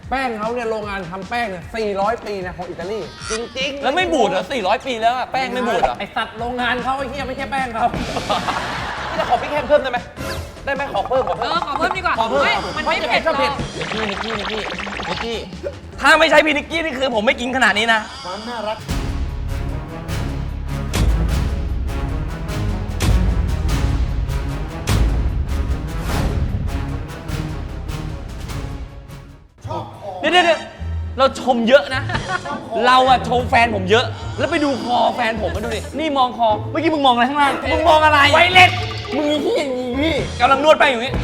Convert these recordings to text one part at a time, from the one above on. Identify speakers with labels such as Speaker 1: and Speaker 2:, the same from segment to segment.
Speaker 1: แป้งเขาเนี่ยโรงงานทำแป้งเนี่ย400 ปีนะของอิตาลีจริงๆ
Speaker 2: แล้วไม่บูดเหรอ400 ปีแล้วอะแป้งไม่บูดเหรอ
Speaker 1: ไอสัตว์โรงงานเขาไอ้เหี้ยไม่ใช่แป้งเขา
Speaker 3: พี่จะขอพริกแห้งเพิ่มได้ไหมได้ไหมขอเพิ่ม
Speaker 4: ขอเพิ่มดีกว่า
Speaker 1: ขอเพิ่ม
Speaker 4: ฮ้ยมันไม่เผ็ดหรอก
Speaker 2: นิกกี้ถ้าไม่ใช่พี่นิกกี้นี่คือผมไม่กินขนาดนี้นะ
Speaker 5: ความน่ารักชอบของ
Speaker 2: เดี๋ยวเราชมเยอะนะ เราอะชมแฟนผมเยอะ แล้วไปดูคอแฟนผมมาดูดิ นี่มองคอ เมื่อกี้มึงมองอะไรข้างล่าง มึงมองอะไร ไวเล็ตมึงมีที่อย่างนี้พี่กำลังนวดไปอยู่นี่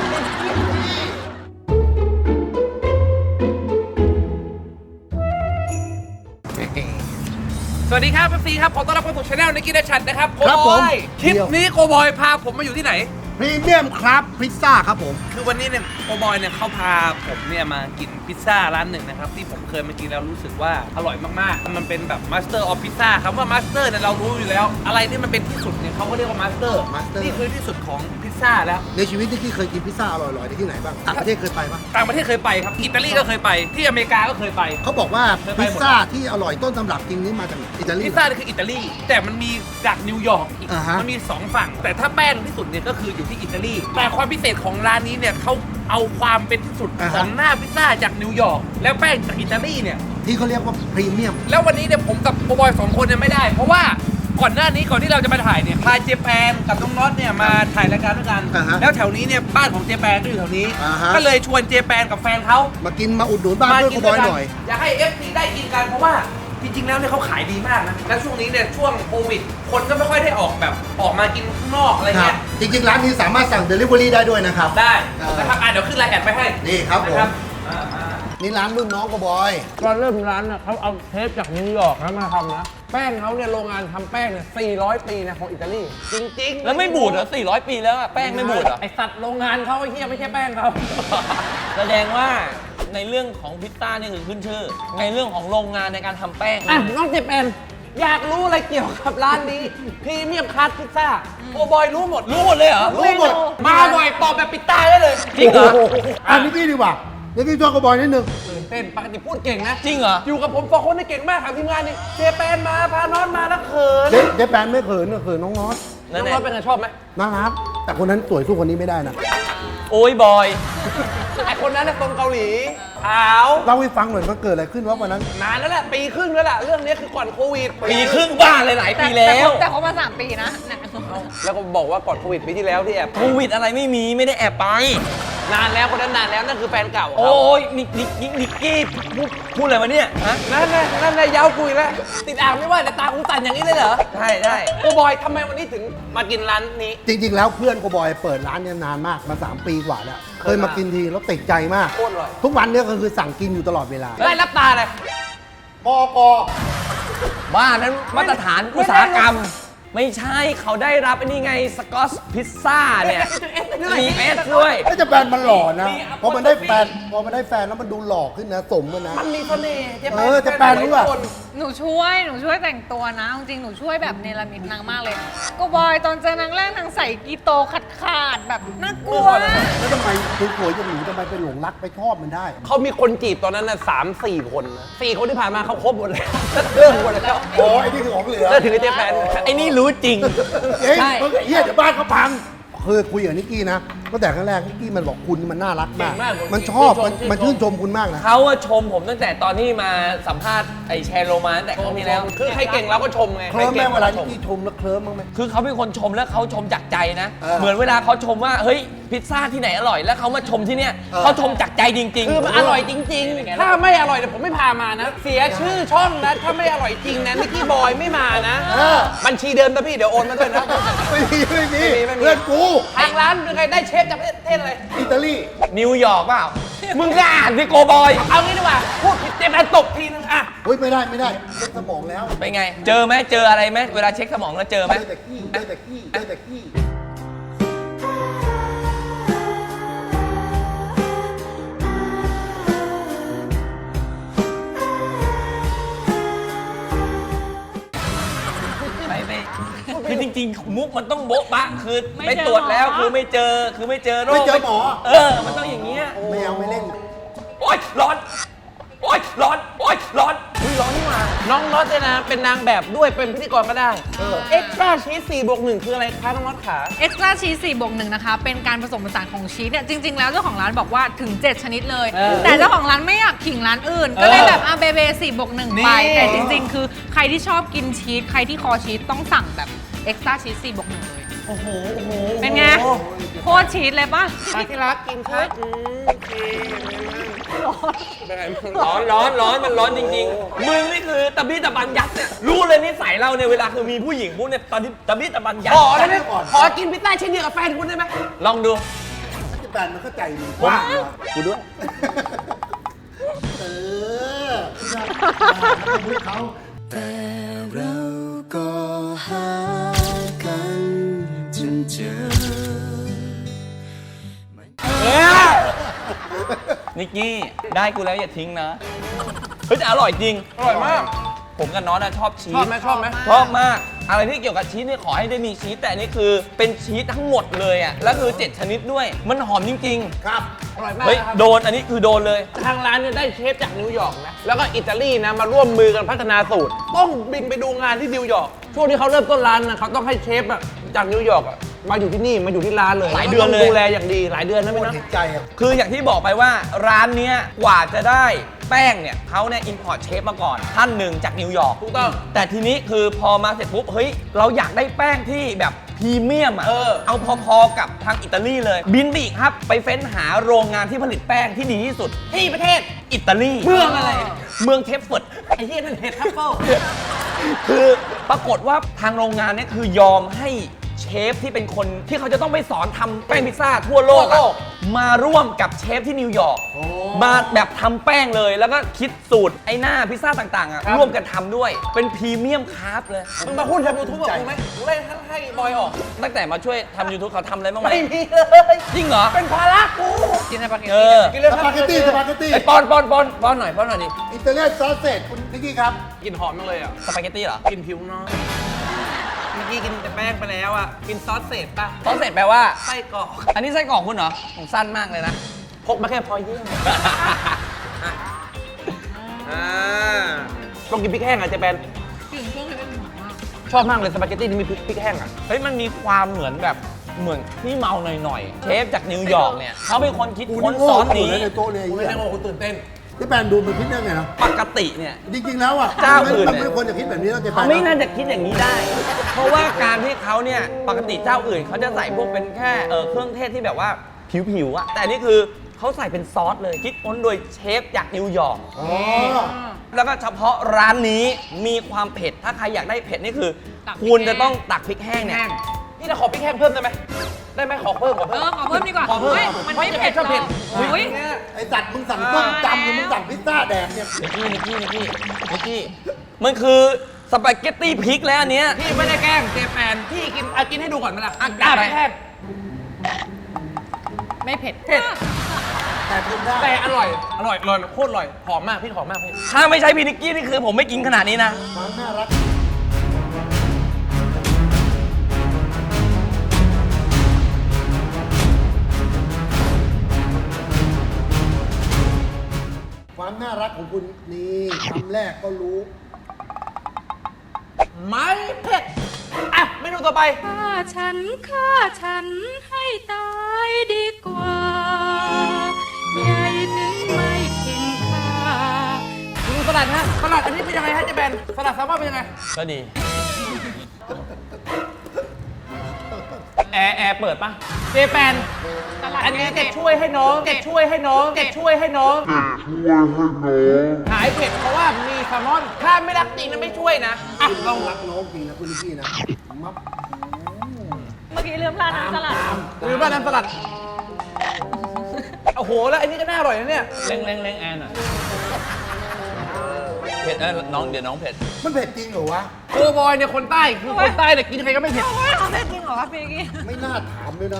Speaker 3: สวัสดีครับพี่ซีครับขอต้อนรับเข้าสู่ช anel นิกกี้เดชันนะครับ
Speaker 5: ครับผม
Speaker 3: คลิปนี้โกบอยพาผมมาอยู่ที่ไหน
Speaker 5: พรีเมียมครับพิซซ่าครับผม
Speaker 3: คือวันนี้เนี่ยโกบอยเนี่ยเขาพาผมเนี่ยมากินพิซซ่าร้านหนึ่งนะครับที่ผมเคยมากินแล้วรู้สึกว่าอร่อยมากๆมันเป็นแบบมาสเตอร์ออฟพิซซ่าคำว่ามาสเตอร์เนี่ยเรารู้อยู่แล้ว อะไรที่มันเป็นที่สุดเนี่ยเขาก็เรียกว่ามาสเตอร์
Speaker 5: Master
Speaker 3: นี่คือที่สุดของพิซซ่าแล้ว
Speaker 5: ในชีวิตที่เคยกินพิซซ่าอร่อยๆที่ไหนบ้างต่างประเทศเคยไปปะ
Speaker 3: ต่างประเทศเคยไปครับอิตาลีก็เคยไปที่อเมริกาก็เคยไป
Speaker 5: เขาบอกว่า
Speaker 3: เคยไปหมด
Speaker 5: พิซซ่าที่อร่อยต้นตำรับจริงนี่มาจากอิตาลี
Speaker 3: พิซซ่านี่คืออิตาลีแต่มันมีจากนิวยอร์กอีก
Speaker 5: อ่าฮะ
Speaker 3: มันมี2ฝั่งแต่ถ้าแป้งที่สุดเนี่ยก็คืออยู่ที่อิตาลีแต่ความพิเศษของร้านนี้เนี่ยเขาเอาความเป็นที่สุดของหน้าพิซซ่าจากนิวยอร์กแล้วแป้งจากอิตาลีเนี่ย
Speaker 5: ที่เขาเรียกว่าพรีเมียม
Speaker 3: แล้ววันนี้เนี่ยผมกับโกบอย2 คนเนี่ยไม่ได้ เพราะว่าก่อนหน้านี้ก่อนที่เราจะมาถ่ายเนี่ยพาเจแปนกับน้องน็อตเนี่ยมาถ่ายรายการด้วยกัน
Speaker 5: อ่าฮะ
Speaker 3: แล้วแถวนี้เนี่ยบ้านของเจแปนก็อยู่แถวนี้
Speaker 5: อ่าฮะ
Speaker 3: ก็เลยชวนเจแปนกับแฟนเขา
Speaker 5: มากินมาอุดหนุนบ้านเพื่อนกูบอยหน่อย
Speaker 3: อยากให้ FC ได้กินกันเพราะว่าจริงๆแล้วเนี่ยเขาขายดีมากนะ และช่วงนี้เนี่ยช่วงโควิด คนก็ไม่ค่อยได้ออกแบบออกมากินข้างนอกอะไร
Speaker 5: ครั
Speaker 3: เงี้
Speaker 5: บ
Speaker 3: ย
Speaker 5: จริงๆ ร้านนี้สามารถสั่ง Delivery ได้ด้วยนะครับ
Speaker 3: ได้
Speaker 5: เออ
Speaker 3: นะครับเดี๋ยวขึ้นรายแอดไปให้
Speaker 5: นี่ครับผม
Speaker 3: นะ
Speaker 5: นี่ร้านรุ่นน้องกูบอย
Speaker 1: ตอนเริ่มร้านน่ะเขาเอาเทปจากนิวยอร์กนะมาทำนะแป้งเขาเนี่ยโรงงานทำแป้งเนี่ย400 ปีนะของอิตาลีจริงๆ
Speaker 2: แล้วไม่บูดเหรอ400 ปีแล้วอะแป้งไม่บูดเหรอ
Speaker 1: ไอสัตว์โรงงานเขาไอ้เหี้ยไม่ใช่แป้งเขา
Speaker 2: แสดงว่าในเรื่องของพิซซ่านี่คือขึ้นชื่อ ในเรื่องของโรงงานในการทำแป้ง
Speaker 1: อ่ะน้องเจแปนอยากรู้อะไรเกี่ยวกับร้านนี้พรีเมียมคัสพิซซ่าโอบอยรู้หมด
Speaker 2: รู้หมดเลยเหรอ
Speaker 5: รู้หมด
Speaker 3: มาบ่อยตอบแบบปิดตาได้เลย
Speaker 2: จริงเหรอ
Speaker 5: อันนี้พี่ดีกว่าเดี๋ยวพี่ชอบกูบอยนิดนึง
Speaker 1: ตื่นเต้นปกติพูดเก่งนะ
Speaker 2: จริงเหรอ
Speaker 1: อยู่กับผม2 คนนี่เก่งมากครับทีมงานนี่เจแปนมาพาน้องมาแล้วเขิน
Speaker 5: เจ๊แปนไม่เขินเขินน้องน็อต
Speaker 1: น้องน้อยเป็นไงชอบไหม
Speaker 5: น่ารักแต่คนนั้นสวยสู้คนนี้ไม่ได้นะ
Speaker 2: โอ้ยบอย
Speaker 1: ไอคนนั้นน่ะตรงเกาหลีขาว
Speaker 5: เล่าให้ฟังหน่อยมันเกิดอะไรขึ้นวะวันนั้น
Speaker 1: นานแล้วแหละปีครึ่งแล้วแหละเรื่องนี้คือก่อนโควิด
Speaker 2: ปีครึ่งบ้าเลยหลายปีแล้ว
Speaker 4: แต่เขามา3 ปีนะเนี่ย
Speaker 1: แล้วก็บอกว่าก่อนโควิดปีที่แล้วที่แอบ
Speaker 2: โควิดอะไรไม่มีไม่ได้แอบไป
Speaker 1: นานแล้วคนนั้นนานแล้วนั่นคือแฟนเก่า
Speaker 2: โอ้ยนิกกี้พูดอะไรมาเนี่ยฮะ
Speaker 1: นั่นน่ะยาวกุยแล้วติดอ่างไม่ว่าแต่ตาหูสั่นอย่างนี้เลยเหรอ
Speaker 2: ได้
Speaker 1: โอ้บอยทำไมวันนี้ถึงมากินร้านนี้
Speaker 5: จริงๆ แล้วเพื่อนกูบอยเปิดร้านเนี่ยนานมากมา 3 ปีกว่าแล้ว เคยมากินทีแล้วติดใจมาก
Speaker 1: โคตรอร่อย
Speaker 5: ทุกวันเนี่ยก็คือสั่งกินอยู่ตลอดเวลา
Speaker 1: ได้รับตาเลย
Speaker 5: ปอปอ
Speaker 2: บ้านนั้นมาตรฐานอุตสาหกรรม ไม่ใช่เขาได้รับไอ้นี่ไงสกอตพิซซ่าเนี่ยมีเอสด้วย
Speaker 5: ก็จะแฟนมันหล่อนะพอมันได้แฟนแล้วมันดูหล่อขึ้นนะสมกันนะ
Speaker 1: มันมีเสน่ห์เจ๊
Speaker 5: เออเจ๊แปนรู้ป่ะ
Speaker 4: หนูช่วยแต่งตัวนะจริงๆหนูช่วยแบบเนรมิตนางมากเลยก็บอยตอนเจอนางแรกนางใส่กีโตขาดแบบน่ากลัว
Speaker 5: แล้วทำไมสวยๆอย่างหนูทำไมไปหลงรักไปชอบมันได้
Speaker 1: เขามีคนจีบตอนนั้นน่ะ3-4 คนนะ4 คนที่ผ่านมาเขาครบหมดแล้วเลิกหมดแล้ว
Speaker 5: โอ้ไอ้นี่คือของเหลือ
Speaker 1: เลิกถึงไอ้เจ๊แปน
Speaker 2: ไอ้นี่รู้จริง
Speaker 5: เฮ้ย
Speaker 2: ใช่
Speaker 5: มึงเฮียเดี๋ยวบ้านเขาพังเคยคุยกับนิกกี้นะตั้งแต่ครั้งแรกนิกกี้มันบอกคุณนี่มันน่ารักมาก มันชอบมันชื่นชมคุณมากนะ
Speaker 2: เขาอะชมผมตั้งแต่ตอนที่มาสัมภาษณ์ไอแชร์โรมาตั้งแต่ครั้งที่แล้ว
Speaker 1: คือใครเก่งเราก็ชมไง
Speaker 5: เคลิ้ม
Speaker 1: ใคร
Speaker 5: แม่
Speaker 1: ก่ง
Speaker 5: เวลา
Speaker 1: ร
Speaker 5: นิกกี้ชมแล้วเคลิ้มบ้างไหม
Speaker 2: คือเขาเป็นคนชมแล้วเขาชมจากใจนะ
Speaker 5: เออ
Speaker 2: เหมือนเวลาเขาชมว่าเฮ้ยพิซซ่าที่ไหนอร่อยแล้วเขามาชมที่เนี่ย
Speaker 5: เออ
Speaker 2: เขาชมจากใจจริงๆ
Speaker 1: คือมันอร่อยจริงๆ ถ้าไม่อร่อยเนี่ยผมไม่พามานะ เสียชื่อช่องนะ ถ้าไม่อร่อยจริงนะนิกกี้บอยไม่มานะ บัญชีเดิมนะพี่เดี๋ยวโอนมาด้วยนะ
Speaker 5: ไม่มี
Speaker 1: ไม่มี
Speaker 5: เพื่อนกู
Speaker 1: ทางร้านเป็นไงได้เชฟจากประเทศอะไร
Speaker 5: อิตาลี
Speaker 2: นิวยอร์กเปล่า มึงก็อ่านสิโกบอย
Speaker 1: เอางี้ดีกว่า พูดผิดเจ๊แปนตบทีนึงอะ
Speaker 5: เฮ้ยไม่ได้เช็คสมองแล้ว
Speaker 2: เป็นไง เจอไหมเจออะไรไหมเวลาเช็คสมองแล้วเจอไหม
Speaker 5: เจอแต่ขี้
Speaker 2: ไปคือจริงๆ มุกมันต้องโบ๊ะบะคือ
Speaker 4: ไม่
Speaker 2: ไป
Speaker 4: เจอ
Speaker 2: ตรวจแล้ว
Speaker 4: หมอ
Speaker 2: คือไม่เจอโรค
Speaker 5: ไม่เจอหมอ
Speaker 2: มันต้องอย่างเงี้ย
Speaker 5: ไม่เอาไม่เล่น
Speaker 2: โอ้อ๊ยร้อนโอ๊ยร้อนโอ๊ยร้อนอุ๊ยร้อนนี่หว่า
Speaker 1: น้องน็อตเนี่ยนะเป็นนางแบบด้วยเป็นพิธีกรก็ได้เอ็กซ์ตร้าชีส4+1คืออะไรคะน้องน็อตขา
Speaker 4: เอ็กซ์ตร้าชีส4+1นะคะ เป็นการผสมผสานของชีสเนี่ย จริง ๆ แล้วเจ้าของร้านบอกว่าถึง 7 ชนิดเลย แต่เจ้าของร้านไม่อยากขิงร้านอื่น ก็เลยแบบเบ4+1 ไป แต่จริง ๆ คือใครที่ชอบกินชีส ใครที่คอชีสต้องสั่งแบบเอ็กซ์ตร้าชีส4+1 เลย
Speaker 1: โอ้โห
Speaker 4: เป็นไง โคตรชีสเลยป่ะ
Speaker 1: มาที่รักกินครับโอเคร้อน
Speaker 2: ร้อนมันร้อนจริงๆมึงนี่คือตะบี้ตะบันยัดเนี่ยรู้เลยนิสัยเราเนี่ยเวลาคือมีผู้หญิงพวกเนี่ยตอนที่ตะบี้ตะบันยัด
Speaker 1: ขอได้ไหมขอกินพิซซ่าเช่นเดียวกับแฟนคุณได้ไหม
Speaker 2: ลองดู
Speaker 5: แบนมันเข้าใจดีกว้างนะ
Speaker 2: กูด้วย
Speaker 5: เออพูดเขา
Speaker 6: แต่เราก็หากันจนเจอ
Speaker 2: นิกกี้ได้กูแล้วอย่าทิ้งนะเฮ้ยแต่อร่อยจริง
Speaker 1: อร่อยมาก
Speaker 2: ผมกับน้องนะชอบชี
Speaker 1: ชอบ
Speaker 2: ส
Speaker 1: ไหมชอบไหม
Speaker 2: ชอบมาก อะไรที่เกี่ยวกับชีสเนี่ยขอให้ได้มีชีสแต่อันนี่คือเป็นชีสทั้งหมดเลยอ่ะแล้วคือ 7 ชนิดด้วย มันหอมจริง
Speaker 5: ครับ
Speaker 1: อร่อย
Speaker 2: ๆ
Speaker 1: มาก
Speaker 2: เฮ้ย
Speaker 1: นะครับ
Speaker 2: โดนอันนี้คือโดนเลย
Speaker 1: ทางร้านเนี่ยได้เชฟจากนิวยอร์กนะแล้วก็อิตาลีนะมาร่วมมือกันพัฒนาสูตร ต้องบินไปดูงานที่นิวยอร์กช่วงที่เขาเริ่มต้นร้านนะเขาต้องให้เชฟอะจากนิวยอร์กอะมาอยู่ที่นี่มาอยู่ที่ร้านเลย
Speaker 2: หลายเดือนเลย
Speaker 1: ต้งดูแลอย่างดีหลายเดือนนะ
Speaker 5: โค
Speaker 1: พี่
Speaker 5: ตร
Speaker 1: นะ
Speaker 5: เห็นใจอ่ะ
Speaker 2: คืออย่างที่บอกไปว่าร้านเนี้ยกว่าจะได้แป้งเนี่ยเขาเนี่ยอินพอร์ตเชฟมาก่อนท่านหนึ่งจากนิวยอร์ก
Speaker 1: ถูกต้อง
Speaker 2: แต่ทีนี้คือพอมาเสร็จปุ๊บเฮ้ยเราอยากได้แป้งที่แบบพรีเมียมอ่ะเอาพอๆกับทางอิตาลีเลย บินไปอีกครับ ไปเฟ้นหาโรงงานที่ผลิตแป้งที่ดีที่สุด
Speaker 1: ที่ประเทศ
Speaker 2: อิตาลี
Speaker 1: เมืองอะไร
Speaker 2: เมืองเทฟเฟิร์ด
Speaker 1: ไอ้ที่นั่นเห็ดทัฟเฟิล
Speaker 2: คือปรากฏว่าทางโรงงานเนี่ยคือยอมให้เชฟที่เป็นคนที่เขาจะต้องไปสอนทำแป้งพิซซ่าทั่วโลกอะมาร่วมกับเชฟที่นิวยอร์กมาแบบทำแป้งเลยแล้วก็คิดสูตรไอ้หน้าพิซซ่าต่างๆอะร่วมกันทำด้วยเป็นพรีเมียมคราฟต์เลย
Speaker 1: มึงมาพูดทำยูทูบกับกูไหมกูเล่นให้บอยออก
Speaker 2: ตั้งแต่มาช่วยทำ YouTube เขาทำอะไรบ้างไหม
Speaker 1: ไม่มีเลย
Speaker 2: จริงเหรอ
Speaker 1: เป็นภาระกู
Speaker 4: กินสปาเกต
Speaker 2: เอ
Speaker 4: ตี้
Speaker 2: อ
Speaker 1: กินเลย
Speaker 5: ส
Speaker 1: ครับ
Speaker 5: ปาเกตตี้สปาเกตตี้
Speaker 2: ไอ้ปอนหน่อยดิ
Speaker 5: อิตาเลียนซอสเศษคุณนิกกี้ครับ
Speaker 1: กินหอมจังเลยอ่ะ
Speaker 2: สปาเกตตี้เหรอ
Speaker 1: กินผิวน้องเมื่อกี้กินแต่แป้งไปแล้วอ่ะกินซอสเศษป่ะ
Speaker 2: ซอสเสร็จแปลว่า
Speaker 1: ไส้กรอก
Speaker 2: อันนี้ไส้กรอกคุณเหรอผมสั้นมากเลยนะ
Speaker 1: พกมาแค่พอเยี่ยมต้องกินพริกแห้งอ่ะเจแปน
Speaker 4: กลิ่นเครื่องเทศเป็นหอมมาก
Speaker 1: ชอบมากเลยสปาเกตตี้ที่มีพริกแห้งอ่ะ
Speaker 2: เฮ้ยมันมีความเหมือนแบบเหมือนที่เมาหน่อยๆ เชฟจากนิวยอร์กเนี่ยเขาเป็นคนคิด
Speaker 5: กู
Speaker 2: ค้น
Speaker 5: นี่โง่
Speaker 2: ซอส
Speaker 5: อยู่
Speaker 2: นี้
Speaker 5: เลยในโต๊ะเนี่ยไอ้
Speaker 1: คุณ
Speaker 5: เหี้
Speaker 1: ไม่
Speaker 5: ย
Speaker 1: ได้โง่คุณตื่นเต้น
Speaker 5: ที่แปนดูมันคิดได้ไงนะ
Speaker 2: ปกติเนี่ย
Speaker 5: จริงๆแล้วอ่ะ
Speaker 2: เจ้าอื่น
Speaker 5: มัน
Speaker 2: เนี่ย
Speaker 5: ไม่ควรจะคิดแบบนี้แล้วจะไป
Speaker 2: เขาไม่น่าจะคิดอย่างนี้ได้ เพราะว่าการที่เขาเนี่ยปกติเจ้าอื่นเขาจะใส่พวกเป็นแค่เครื่องเทศที่แบบว่าผิวๆอะแต่อันนี่คือเขาใส่เป็นซอสเลยคิดค้นโดยเชฟจากนิวยอร์ก
Speaker 5: อ๋อ
Speaker 2: แล้วก็เฉพาะร้านนี้มีความเผ็ดถ้าใครอยากได้เผ็ดนี่คือ คุณจะต้องตักพริกแห้งเนี่ย
Speaker 1: นี่เราขอพริกแห้งเพิ่มได้ไหมได้ไหมขอเพิ่ม
Speaker 4: ขอเพิ่มดีกว่า
Speaker 1: ขอเพิ่ม
Speaker 4: ฮ้ยมันไม่เผ็ดหรอกอุ้ย
Speaker 5: ไอ้สัตว์มึงสั่งต้มจำหรือมึงสั่งพิซซ่าแดกเนี่ย
Speaker 2: นิกกี้มันคือสปาเกตตี้พริกแล้วอันเนี้ย
Speaker 1: พี่ไม่ได้แกล้งเจแปนพี่กินให้ดูก่อนไหมล่ะ
Speaker 2: ได้ไหม
Speaker 1: พริกแห้ง
Speaker 4: ไม่เผ็ด
Speaker 1: เผ็ด
Speaker 5: แต่กินได้
Speaker 1: แต่อร่อยโคตรอร่อยหอมมากพี่หอมมากพี่
Speaker 2: ถ้าไม่ใช่พี่นิกกี้นี่คือผมไม่กินขนาดนี้นะ
Speaker 5: ความน่ารักความน่ารักของคุณนี่คำแรกก็รู้
Speaker 1: ไม่เผ็ดอ่ะเมนูต่อไป
Speaker 7: ฆ่าฉันให้ตายดีกว่าใหญ่ถึงไม่กินข้า
Speaker 1: ดูสลัดฮะสลัดอันนี้เป็นยังไงฮะเจแปนสลัดแซลมอนเป็นยังไง
Speaker 2: ก็ดี แอร์เปิดปะ
Speaker 1: เจแปนอันนี้จะช่วยให้น้องหายเผ็ดเพราะว่ามีแซลมอนถ้าไม่รักจริงนะไม่ช่วยนะอ่ะลอง
Speaker 5: รักน้องจริงนะคุณนิกกี้นะมับ
Speaker 4: เมื่อกี้ลืมราดน้ำสลัด
Speaker 1: หรือว่าน้ำสลัดโอ้โหแล้วอันนี้ก็น่าอร่อยนะเนี่ย
Speaker 2: เร่งแอร์หน่อยเผ็ดน้องเดี๋ยวน้องเผ็ด
Speaker 5: มันเผ็ดจริงเหรอวะ
Speaker 1: โกบอยเนี่ยคนใต้คือคนใต้เนี่ยกินใครก็ไม่เผ็ด
Speaker 4: เขาเผ็ดจริงเหรอพี่กี้
Speaker 5: ไม่น่าถามเลยนะ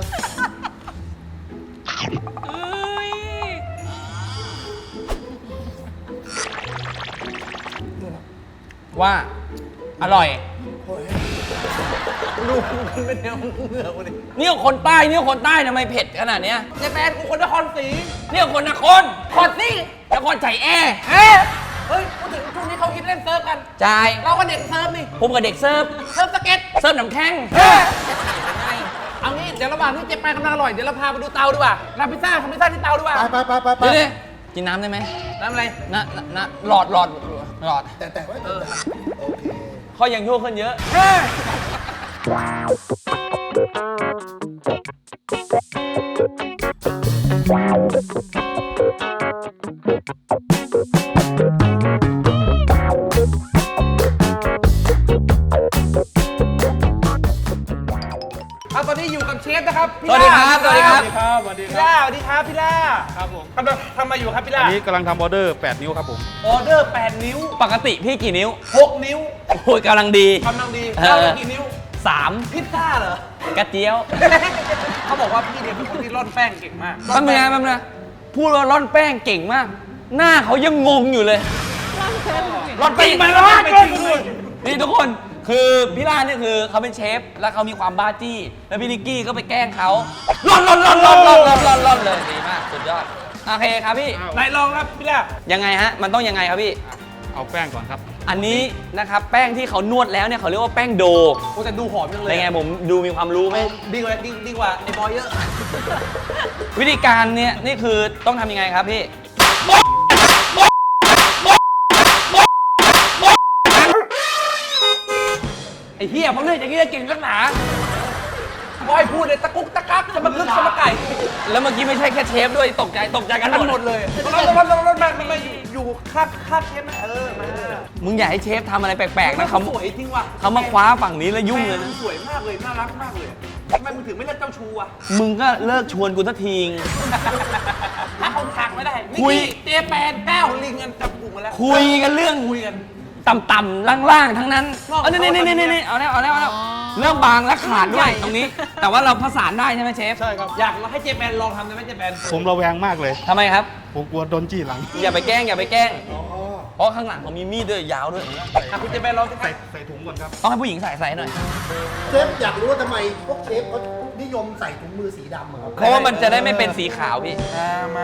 Speaker 4: เอ้ย
Speaker 2: ว่าอร่อย
Speaker 5: โอ้ย
Speaker 1: ดูมันเป็นแนวเหนือกูดิ
Speaker 2: นี่คนใต้นี่คนใต้ทำไมเผ็ดขนาดเนี้ย
Speaker 1: เจแปนกูคนนครศรี
Speaker 2: นี่คนนครนี่นครใจแอร์
Speaker 1: เฮ้ยพูดถึงช่วงนี้เขาคิดเล่นเซิร์ฟกัน
Speaker 2: จ่าย
Speaker 1: เราก็เด็กเซิร์ฟนี่
Speaker 2: ผมกับเด็กเซิร์ฟ
Speaker 1: เซิร์ฟสเก็ต
Speaker 2: เซิร์ฟน้ำแข็ง
Speaker 1: เอางี้เดี๋ยวระหว่างที่เจแปนกำลังอร่อยเดี๋ยวเราพาไปดูเตาดีกว่าทำพิซซ่าที่เตาดีกว่า
Speaker 5: ไป
Speaker 2: เดี๋ยวกินน้ำได้ไหม
Speaker 1: น้ำอะไร
Speaker 2: นะหลอด
Speaker 5: แต่ไว้โอเค
Speaker 2: เขายังยั่วขึ้นเยอะ
Speaker 1: เอาตอนนี้อยู่กับเชฟนะครับพี่
Speaker 2: สวัสดีครับ
Speaker 1: ล่า
Speaker 2: สวัสดีครับ
Speaker 8: สวัสดี
Speaker 1: พี่
Speaker 8: ครั
Speaker 1: ล่า
Speaker 8: บ
Speaker 1: สวัสดีครับพี่ล่า
Speaker 8: ครับผม
Speaker 1: กำลังทำอะไรอยู่ครับพี่ล่า
Speaker 8: อันนี้กำลังทำออเดอร์ 8 นิ้วครับผม
Speaker 1: ออเดอร์ 8 นิ้ว
Speaker 2: ปกติพี่กี่นิ้ว
Speaker 1: 6 นิ้ว
Speaker 2: โอ้ยกำลังดี
Speaker 1: กำลังดี
Speaker 2: เออ
Speaker 1: เรากี่นิ้ว
Speaker 2: 3
Speaker 1: พิซซ่าเหรอ
Speaker 2: กระเจียว
Speaker 1: เขาบอกว่าพี่เนี่ยเป็นคนที่ร่อนแป้งเก่งมาก
Speaker 2: แป๊บนึงนะพูดว่าร่อนแป้งเก่งมาก หน้าเขายังงงอยู่เลยร่อนแป้งมาแล้วนี่ทุกคนคือพี่ล่าเนี่ยคือเขาเป็นเชฟแล้วเขามีความบ้าจี้แล้วพี่นิกกี้ก็ไปแกล้งเขาร่อนเลยดีมากสุดยอดโอเคครับพี่
Speaker 1: ไหนลองครับพี่ล่า
Speaker 2: ยังไงฮะมันต้องยังไงครับพี่
Speaker 8: เอาแป้งก่อนครับ
Speaker 2: อันนี้นะครับแป้งที่เขานวดแล้วเนี่ยเขาเรียกว่าแป้งโด
Speaker 1: โอ้แต่ดูหอมจังเล
Speaker 2: เป็
Speaker 1: ย
Speaker 2: นไงผมดูมีความรู้ไหม
Speaker 1: ดีกว่าไอ้บอยเยอะ
Speaker 2: วิธีการเนี่ยนี่คือต้องทำยังไงครับพี่ไอ้เหี้ยเพราะเรื่องอย่างนี้จะเก่งนักหนา
Speaker 1: บอยพูดเลยตะกุกตะกักจะมาคึกจะมาไก่
Speaker 2: แล้วเมื่อกี้ไม่ใช่แค่เชฟด้วยตกใจกัน
Speaker 1: ทั้งห
Speaker 2: ห
Speaker 1: ม
Speaker 2: ม
Speaker 1: ด
Speaker 2: ด
Speaker 1: เลยรถมาอยู่ข้างเชฟไหมมา
Speaker 2: มึงอย่าให้เชฟทำอะไรแปลกๆนะเขา
Speaker 1: สวยจริงว่ะ
Speaker 2: เขามาคว้าฝั่งนี้แล้วยุ่งเลยนะ
Speaker 1: สวยมากเลยน่ารักมากเลยทำไมมึงถึงไม่เลิกเจ้าชูอ่ะ
Speaker 2: มึงก็เลิกชวนกูสักที
Speaker 1: ถ้าเขาทางไม่ได้
Speaker 2: คุย
Speaker 1: เจแปนแก้วลิงกันจับกลุ่มมาแล้ว
Speaker 2: คุยกันเรื่อง
Speaker 1: คุยกัน
Speaker 2: ต่ำๆล่างๆทั้งนั้นนี่เอาแล้วเริ่มบางและขาดด้วยตรงนี้ แต่ว่าเราผสานได้ใช่ไหมเชฟ
Speaker 8: ใช่ครับ
Speaker 1: อยากให้เจแปนลองทำได้ไหมเจแปน
Speaker 8: ผมระแวงมากเลย
Speaker 2: ทำไมครับ
Speaker 8: ผมกลัวโดนจี้หลัง
Speaker 2: อย่าไปแกล้งเพราะข้างหลังเขามีมีดด้วยยาวด้วย
Speaker 1: คุณเจแปนลองสิครับ
Speaker 8: ใส่ถุงก่อนครับ
Speaker 2: ต้องให้ผู้หญิงใส่หน่อย
Speaker 5: เชฟอยากรู้ว่าทำไมพวกเชฟเขานิยมใส่ถุงมือสีดำอะครับ
Speaker 2: เพราะว่ามันจะได้ไม่เป็นสีขาวพี่
Speaker 1: มา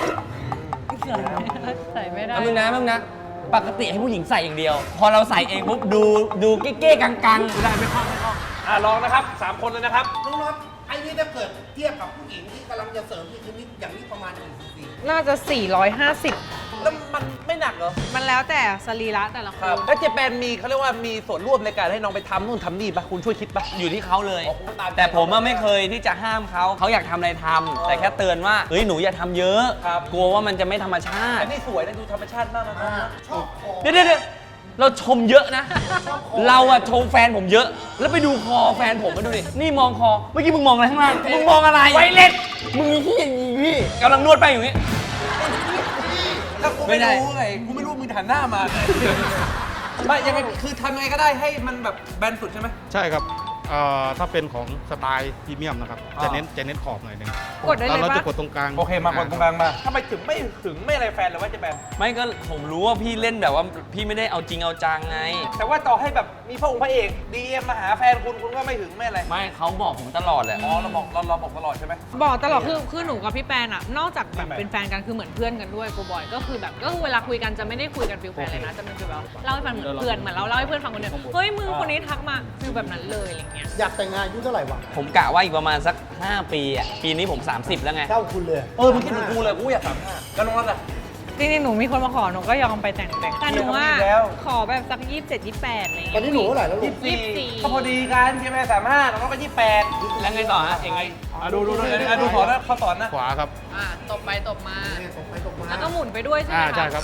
Speaker 4: ใส่ไม่ได้
Speaker 2: มึงนะปกติให้ผู้หญิงใส่อย่างเดียว พอเราใส่เองปุ๊บดูเก้ๆกัง
Speaker 1: ได้ไม่คล่องลองนะครับ3 คนเลยนะครับ
Speaker 5: น้องน็อตไอ้นี่ถ้าเกิดเทียบกับผู้หญิงที่กำลังจะเสริมนี่คือนี่อย่างนี้ประมาณกี่ซีซี
Speaker 4: น่าจะ 450
Speaker 1: แล้วมันไม่หนักเหรอ
Speaker 4: มันแล้วแต่สรีระแต่ละค
Speaker 1: คน รับแล้วเจแปนมีเขาเรียกว่ามีส่วนร่วมในการให้น้องไปทำนู่นทำนี่ปะคุณช่วยคิดปะ
Speaker 2: ๆอยู่ที่เขาเลย
Speaker 1: อ๋อผมก็ตามใจ
Speaker 2: แต่ผมไม่เคยที่จะห้ามเขาอยากทำอะไรทำแต่แค่เตือนว่าเฮ้ยหนูอย่าทำเยอะ
Speaker 1: ครับ
Speaker 2: กลัวว่ามันจะไม่ธรรมชา
Speaker 1: อั
Speaker 2: ติ
Speaker 1: นนี้สวยนะดูธรรมชาติมากนะ
Speaker 5: ชอบคอ
Speaker 2: เดี๋ยวเราชมเยอะนะ เราอะชมแฟนผมเยอะ แล้วไปดูคอแฟนผมมาดูดินี่มองคอเมื่อกี้มึงมองอะไรข้างล่างมึงมองอะไรไวเล็ตมึงขี้อย่างนี้พี่กำลังนวดไปอยู่นี้
Speaker 1: แล้วกูไม่รู้ไงกูไม่รู้มึงหันหน้ามาไม่ยังไงคือทำยังไงก็ได้ให้มันแบบแบนสุดใช่ไหม
Speaker 8: ใช่ครับถ้าเป็นของสไตล์พรีเมียมนะครับ จะเน้นขอบหน่อยหนึง
Speaker 4: กดได้เลย
Speaker 8: เรา
Speaker 4: ปะ
Speaker 8: จะกดตรงกลาง
Speaker 1: โอเคมาคนตรงกลางมาทำไมถึงไม่หึงไม่อะไรแฟนเลยว่าเจแปน
Speaker 2: ไม่ก็ผมรู้ว่าพี่เล่นแบบว่าพี่ไม่ได้เอาจริงเอาจังไง
Speaker 1: แต่ว่าต่อให้แบบมีพระองค์พระเอกดีเอ็มมาหาแฟนคุณก็ไม่หึงไม่อะไร
Speaker 2: ไม่เขาบอกผมตลอดแหละ
Speaker 1: อ๋อเราบอกตลอดใช่ไหม
Speaker 4: บอกตลอดคือหนูกับพี่แปนอะนอกจากแบบเป็นแฟนกันคือเหมือนเพื่อนกันด้วยกูบอยก็คือแบบก็คือเวลาคุยกันจะไม่ได้คุยกันฟิลแฟนเลยนะจะเป็นฟิลแบบเล่าให้ฟังเหมือนเพื่อนเหมือนเราเล่าให้เพื่อนฟังคนเดียวเฮ้ยมึงคนนี้ทักมาฟิลแบบนั้นเลยอะไรเงี้ย
Speaker 5: อยากแต่งงานอายุเท่าไหร่วะ
Speaker 2: ผมกะว่าอีกประมาณสัก 5 ปีอ่ะปีนี้ผม 30 แล้วไง
Speaker 5: เท่าคุณเลย
Speaker 1: มึงคิดเหมือนกูเลยกูอยาก35แล้วน้องรัตอะ
Speaker 4: จริงๆหนูมีคนมาขอหนูก็ยอมไปแต่งแต่หนูว่า
Speaker 1: เดี๋ยวก็มีแล้ว
Speaker 4: ขอแบบสัก27 28อะไรเงี้ย
Speaker 5: ตอนนี้หนูเท่าไหร่แล้วลูก
Speaker 4: 24
Speaker 1: ก็พอดีกันเจแปน35น้องก็28
Speaker 2: แล้วไงต่อฮะเองไง
Speaker 1: ดูสอนนะเขาสอนนะ
Speaker 8: ขวาครับ
Speaker 4: ตบไปตบมา
Speaker 5: ตกไปตกมา
Speaker 4: แล้วก็หมุนไปด้วยใช่ไหมคะ
Speaker 8: ใช่ครับ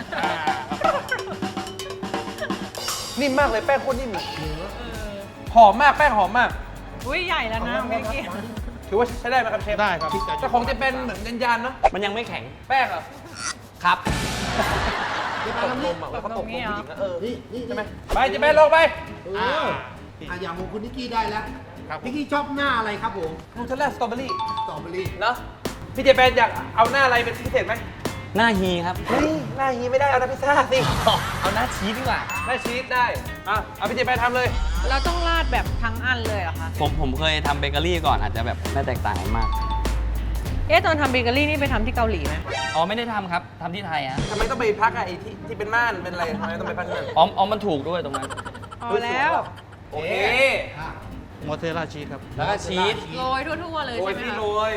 Speaker 1: นิ่มมากเลยแป้งโคตรนิ่มเลยหอมมากแป้งหอมมาก
Speaker 4: อุ้ยใหญ่แล้วนะเมื่อกี้
Speaker 1: ถือว่าใช้ได้ไหมครับเชฟ
Speaker 8: ได้ครับ
Speaker 1: แต่ของเจเป็นเหมือนยานๆเนาะ
Speaker 2: มันยังไม่แข็ง
Speaker 1: แป้งเหรอ
Speaker 2: ครับ
Speaker 5: เดี๋ยว
Speaker 1: ต
Speaker 5: มาก ทำ
Speaker 1: น
Speaker 5: นี่
Speaker 1: มอ่ะเขาตกนมผู้หญิงนะ
Speaker 5: นี่
Speaker 1: ใช่ไหมไปเจเป็นลงไป
Speaker 5: อย่างของคุณนิกกี้ได้แล้ว
Speaker 8: ครับ
Speaker 5: นิกกี้ชอบหน้าอะไรครับผม
Speaker 1: นูเทลล่าสตรอเบอรี่
Speaker 5: สตรอเบอรี่
Speaker 1: เนาะพี่เจเป็นอยากเอาหน้าอะไรเป็นพิเศษไหม
Speaker 2: หน้าฮีครับ
Speaker 1: เฮ้ยหน้าฮีไม่ได้เอาหน้าพิซซ่าสิ
Speaker 2: เอาหน้าชีสดีกว่า
Speaker 1: หน้าชีสได้อ่ะเอาพี่เจแปนทำเลย
Speaker 4: เราต้องราดแบบทั้งอันเลยเหรอคะ
Speaker 2: ผมเคยทำเบเกอรี่ก่อนอาจจะแบบไม่แตกต่างกันมาก
Speaker 4: ตอนทำเบเกอรี่นี่ไปทำที่เกาหลีไหม
Speaker 2: อ๋อไม่ได้ทำครับทำที่ไทยฮะ
Speaker 1: ทำไมต้องไปพักอะไอ้ที่เป็นม่านเป็นอะไรทำไมต้องไปพักที่นั่น
Speaker 2: อ๋อมันถูกด้วยตรงนั้น
Speaker 4: พอแล้ว
Speaker 1: โอเค
Speaker 8: มอสซาเรลล่าชีสครับ
Speaker 2: แล้วก็ชีส
Speaker 4: โรยทั่วๆเลย
Speaker 1: โรย
Speaker 4: ใช่ไหม
Speaker 1: พี่
Speaker 4: คะ
Speaker 1: โรย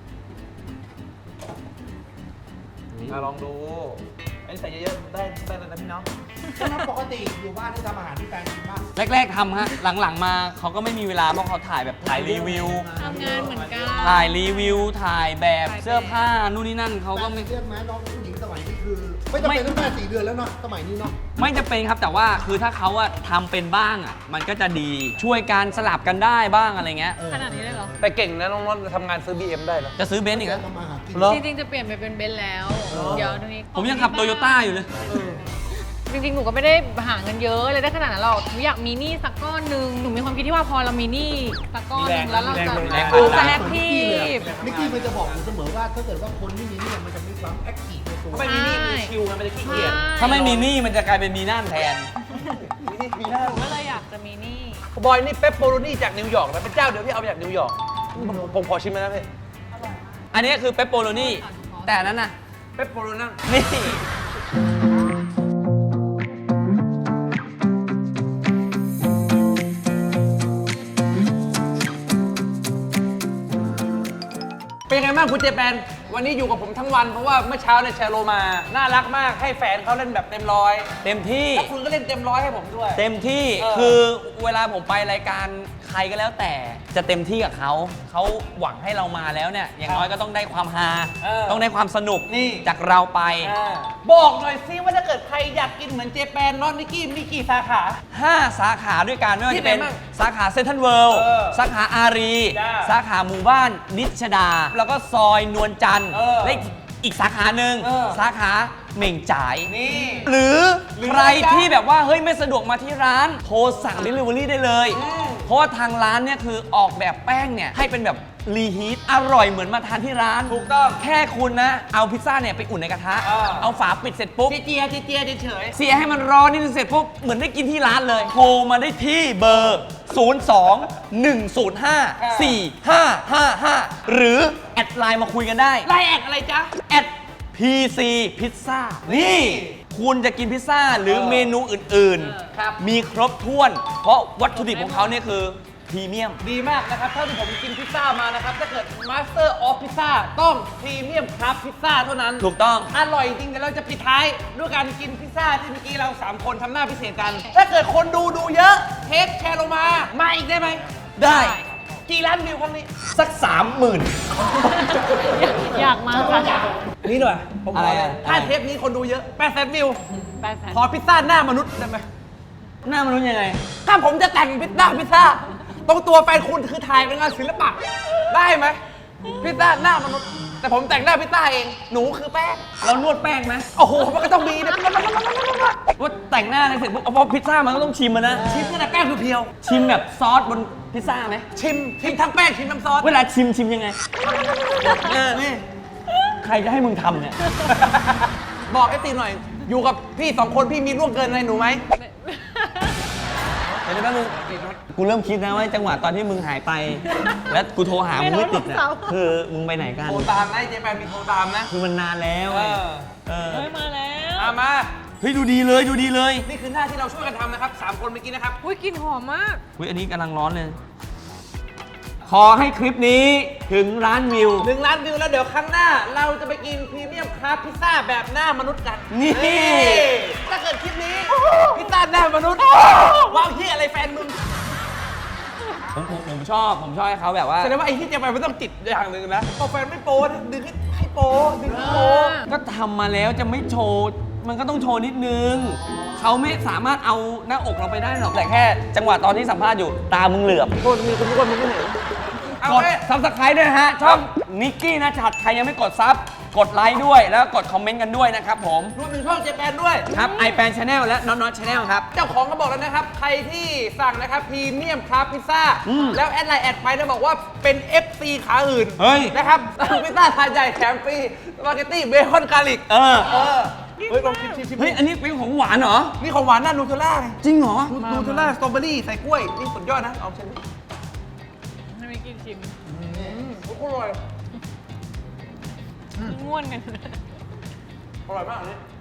Speaker 1: ลองดูอันนี้ใส่เยอะๆได้เลยนะพี่น้อง
Speaker 5: ปกติอยู่บ้านที่ทำอาหารที่แฟนกินบ้าง
Speaker 2: แรกๆทำฮะหลังๆมาเขาก็ไม่มีเวลาเพราะเขาถ่ายแบบถ่ายรีวิว
Speaker 4: ทำงานเหมือนกัน
Speaker 2: ถ่ายรีวิว ถ่ายแบบ
Speaker 4: ถ่ายแบบ
Speaker 2: เสื้อผ้านู่นนี่นั่นเขาก็ไม่
Speaker 5: เรียกไหมน้องผู้หญิงสมัยนี้คือ ไม่จำเป็นต้องแม่4 เดือนแล้วเนาะสมัยนี้เนาะ
Speaker 2: ไม่จะเป็นครับแต่ว่าคือถ้าเขาอะทำเป็นบ้างอะมันก็จะดีช่วยการสลับกันได้บ้างอะไรเงี้ย
Speaker 4: ขนาดนี้เลยเหรอ
Speaker 1: แต่เก่งนะน้องนนท์ทำงานซื้อ BM ได้แล้ว
Speaker 2: จะซื้อเบนซ์อีกแล้ว
Speaker 5: ทำมาหากิน
Speaker 1: เหรอ
Speaker 4: จริงๆจะเปลี่ยนไปเป็นเบนซ์แล้ว เดี๋ยวตรงนี้
Speaker 2: ผมยังขับโตโยต้าอยู่เลย
Speaker 4: จริงๆ หนูก็ไม่ได้หาเงินเยอะเลยได้ขนาดนั้นหรอกหนูอยากมีหนี้สักก้อนหนึ่งหนูมีความคิดที่ว่าพอเรามีหนี้สักก้อนหนึ่งแล้วเราจะ
Speaker 2: แรง
Speaker 4: จะแอคทีฟ
Speaker 5: นิกกี้มันจะบอกอยู่เสมอว่าถ้าเกิดว่าคนที่มีเนี่ยมันจะมีความแอคทีฟในตัว
Speaker 1: ทำไมมีนี่มีชิวมันจะขี้เกียจ
Speaker 2: ถ้าไม่มีหนี้มันจะกลายเป็นมีน่านแทน
Speaker 1: มีหน้า
Speaker 4: หนูก็เลยอยากจะมีหนี้
Speaker 1: บอยนี่เปปโปโรนี่จากนิวยอร์กนะเป็นเจ้าเดียวที่เอามาจากนิวยอร์กผมขอชิมนะพี่
Speaker 2: อันนี้คือเปปโปโรนี่แต่อันนั้นน่ะ
Speaker 1: เปปโปโรนั่ง
Speaker 2: นี่
Speaker 1: เป็นไงบ้างคุณเจแปนวันนี้อยู่กับผมทั้งวันเพราะว่าเมื่อเช้าเนี่ยแชร์โลมาน่ารักมากให้แฟนเขาเล่นแบบเต็มร้อย
Speaker 2: เต็มที่
Speaker 1: แล้วคุณก็เล่นเต็มร้อยให้ผมด้วย
Speaker 2: เต็มที่
Speaker 1: เออ
Speaker 2: คือเวลาผมไปรายการใครก็แล้วแต่จะเต็มที่กับเขาหวังให้เรามาแล้วเนี่ยอย่างน้อยก็ต้องได้ความฮาต้องได้ความสนุก
Speaker 1: นี่
Speaker 2: จากเราไป
Speaker 1: บอกหน่อยซิว่าถ้าเกิดใครอยากกินเหมือนเจแปนน้องนิกกี้มีกี่สาขา
Speaker 2: 5 สาขาด้วยกันไม่ว่า
Speaker 1: ที่
Speaker 2: จะเป็น
Speaker 1: ไหนบ้าง
Speaker 2: สาขาเซ็นทรัลเวิลด์
Speaker 1: เออ
Speaker 2: สาขาอารี
Speaker 1: จ้า
Speaker 2: สาขาหมู่บ้านนิชดา แล้วก็ซอยนวลจันทร์
Speaker 1: เออ
Speaker 2: และอีกสาขาหนึ่ง
Speaker 1: เออ
Speaker 2: สาขาเหม่งจ่าย
Speaker 1: นี่
Speaker 2: หรือ
Speaker 1: หรือ
Speaker 2: ใครที่แบบว่าเฮ้ยไม่สะดวกมาที่ร้าน โทรสั่ง Delivery ได้เลย เพราะว่าทางร้านเนี่ยคือออกแบบแป้งเนี่ยให้เป็นแบบรีฮีทอร่อยเหมือนมาทานที่ร้าน
Speaker 1: ถูกต้อง
Speaker 2: แค่คุณนะ เอาพิซซ่าเนี่ยไปอุ่นในกระทะ เอาฝาปิดเสร็จปุ๊บ
Speaker 1: เจียเฉย
Speaker 2: เสียให้มันร้อนนิดนึงเสร็จปุ๊บเหมือนได้กินที่ร้านเลย โทรมาได้ที่เบอร์ 02-105-4555 หรือแอดไลน์มาคุยกันได้
Speaker 1: ไล่แอกอะไรจ๊ะ
Speaker 2: แอด PC พิซซ่านี่ คุณจะกินพิซซ่าหรือเมนูอื่น
Speaker 1: ครับ
Speaker 2: มีครบถ้วน เพราะวัตถุดิบของเขาเนี่ยคือพรีเมียม
Speaker 1: ดีมากนะครับเท่าที่ผมกินพิซซ่ามานะครับถ้าเกิด Master of Pizza ต้องพรีเมียมครับพิซซ่าเท่านั้น
Speaker 2: ถูกต้อง
Speaker 1: อร่อยจริงแต่เราจะปิดท้ายด้วยการกินพิซซ่าที่เมื่อกี้เรา 3 คนทำหน้าพิเศษกัน ถ้าเกิดคนดูเยอะเทปแชร์ลงมาอีกได้ไหม
Speaker 2: ได้
Speaker 1: กี่ล้านวิวครั้งนี้
Speaker 2: สัก 30,000
Speaker 4: อยากมาค่ะ
Speaker 1: นี่หน่อยผมข
Speaker 2: อะไร
Speaker 1: อเลย
Speaker 2: อะ
Speaker 1: ถ้า
Speaker 2: อะไร
Speaker 1: เทปนี้คนดูเยอะ800,000 วิว
Speaker 4: 800,000
Speaker 1: ขอพิซซ่าหน้ามนุษย์ได้ไหม
Speaker 2: หน้ามนุษย์ยังไง
Speaker 1: ถ้าผมจะแต่งพิซซ่าตรงตัวแฟนคุณคือถ่ายเป็นงานศิลปะได้ไหมพิซซ่าหน้ามนุษย์แต่ผมแต่งหน้าพิซซ่าเองหนูคือแป้ง
Speaker 2: เรานวดแป้งไหม
Speaker 1: โอ้โหมันก็ต้องมีนะ
Speaker 2: ว่าแต่งหน้าอะไรเสร็จปุ๊บเอาพอพิซซ่ามันก็ต้องชิมมันนะ
Speaker 1: ชิมตั้งแต่แป้งเพียว
Speaker 2: ชิมแบบซอสบนพิซซ่าไหม
Speaker 1: ๆชิมทั้งแป้งชิมน้ำซอส
Speaker 2: เวลาชิมยังไงนี่ใครจะให้มึงทำเนี่ย
Speaker 1: บอกไอ้ตีหน่อย อยู่กับพี่2 คนพี่มีล่วงเกินอะไรหนูไหม
Speaker 2: เดี๋ยวแป๊บนึงกูเริ่มคิดนะว่าจังหวะตอนที่มึงหายไป แล้วกูโทรหามึงไม่ติดเนี่ยคือมึงไปไหนกัน
Speaker 1: โทรตามนะไอ้เจแปนมีโทรตามนะ
Speaker 2: คือมันนานแล้วไงเออ
Speaker 4: เฮ้ยมาแล้ว
Speaker 1: มา
Speaker 2: เฮ้ยดูดีเลยดูดีเลย
Speaker 1: นี่คือหน้าที่เราช่วยกันทำนะครับ3 คนเมื่อกี้นะครับ
Speaker 4: อุ้ยกลินหอมมาก
Speaker 2: อุ้ยอันนี้กำลังร้อนเลย ขอให้คลิปนี้ถึงล้านวิว
Speaker 1: 1 ล้านวิวแล้วเดี๋ยวครั้งหน้า เราจะไปกินพรีเมียมคราฟพิซซ่าแบบหน้ามนุษย์กัน
Speaker 2: นี่
Speaker 1: ถ้าเกิดคลิปนี้พิซซ่าหน้ามนุษย์ว้าวเฮียอะไรแฟนมึง
Speaker 2: ผมชอบให้เขาแบบว่า
Speaker 1: แสดงว่าไอ้ที่เจแปนไม่ต้องจิตอย่างหนึ่งนะพอแฟนไม่โป้ดึงให้โป้ดึงให้โป้
Speaker 2: ก็ทำมาแล้วจะไม่โชว์ มันก็ต้องโชว์นิดนึง เขาไม่สามารถเอาหน้าอกเราไปได้หรอก แต่แค่จังหวะตอนที่สัมภาษณ์อยู่ตามึงเหลือบ
Speaker 1: โทษมีคุณทุกคนมึงไม่เห็น
Speaker 2: กดซับสไครต์ด้วยนะฮะ ช่องนิกกี้นะชัดใครยังไม่กดซับกดไลค์ด้วยแล้วกดคอมเมนต์กันด้วยนะครับผม
Speaker 1: รวมถึงช่องเจแปนด้วย
Speaker 2: ครับไอแปนชาแนลและน็อตน็อตชาแนลครับ
Speaker 1: เจ้าของก็บอกแล้วนะครับ ใครที่สั่งนะครับพรีเมียมคราฟพิซซ่าแล้วแอดไลน์แอดไปนะบอกว่าเป็น FC ขาอื่น
Speaker 2: เฮ้ย
Speaker 1: นะครับพิซซ่าถาดใหญ่แถมฟรีสปาเกตตี้เบคอนกาลิก
Speaker 2: เออ
Speaker 1: เฮ้ยลองชิม
Speaker 2: เฮ้ยอันนี้เป็นของหวานเหรอ
Speaker 1: นี่ของหวานน่านูเทลล่าไง
Speaker 2: จริงเหรอ
Speaker 1: นูเทลล่าสตรอเบอรี่ใส่กล้วย นี่สุดยอดนะ เอาชิมดิ
Speaker 4: ไม่มีกินชิม
Speaker 1: โอ้โหอร่อย
Speaker 4: ง่วนกัน
Speaker 1: อร่อยมากอันนี้